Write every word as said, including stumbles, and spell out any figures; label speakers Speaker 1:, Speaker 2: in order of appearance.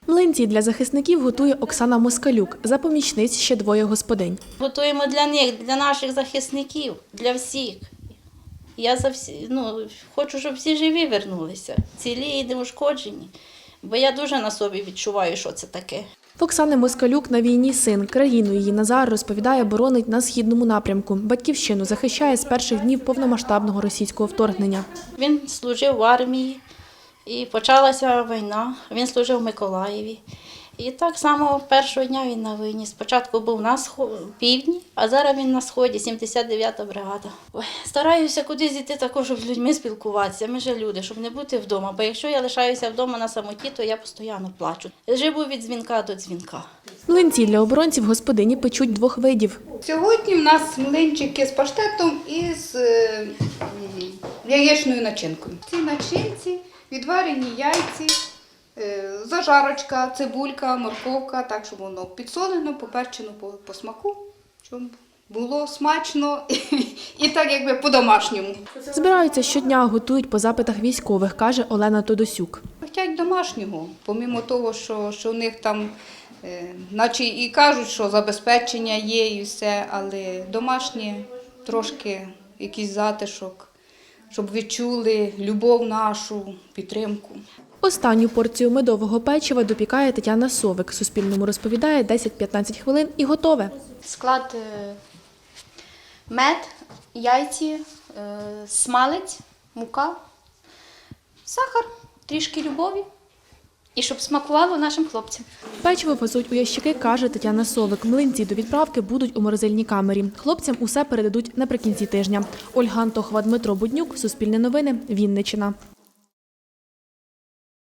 Speaker 1: Млинці для захисників готує Оксана Москалюк. За помічниць ще двоє господинь.
Speaker 2: Готуємо для них, для наших захисників, для всіх. Я за всі, ну, хочу, щоб всі живі вернулися, цілі і неушкоджені. Бо я дуже на собі відчуваю, що це таке.
Speaker 1: В Оксани Москалюк на війні син. Країну її Назар, розповідає, боронить на східному напрямку. Батьківщину захищає з перших днів повномасштабного російського вторгнення.
Speaker 2: Він служив в армії і почалася війна. Він служив в Миколаєві. І так само першого дня він на війні. Спочатку був на півдні, а зараз він на сході, сімдесят дев'ята бригада. Ой, стараюся кудись йти також, щоб з людьми спілкуватися. Ми ж люди, щоб не бути вдома. Бо якщо я лишаюся вдома на самоті, то я постійно плачу. Живу від дзвінка до дзвінка.
Speaker 1: Млинці для оборонців господині печуть двох видів.
Speaker 3: Сьогодні в нас млинчики з паштетом і з е, яєчною начинкою. Ці начинці відварені яйці, е, зажарочка, цибулька, морковка, так, щоб воно підсолено, поперчено по, по смаку, щоб було смачно і, і так якби по-домашньому.
Speaker 1: Збираються щодня, готують по запитах військових, каже Олена Тодосюк.
Speaker 3: Хочуть домашнього, помимо того, що, що у них там, е, наче і кажуть, що забезпечення є і все, але домашнє трошки якийсь затишок, щоб відчули любов нашу, підтримку.
Speaker 1: Останню порцію медового печива допікає Тетяна Совик. Суспільному розповідає, десять-п'ятнадцять хвилин і готове.
Speaker 4: Склад е, мед, яйці, е, смалець, мука, сахар, трішки любові. І щоб смакувало нашим хлопцям.
Speaker 1: Печиво везуть у ящики, каже Тетяна Совик. Млинці до відправки будуть у морозильній камері. Хлопцям усе передадуть наприкінці тижня. Ольга Антохова, Дмитро Буднюк, Суспільне новини, Вінниччина.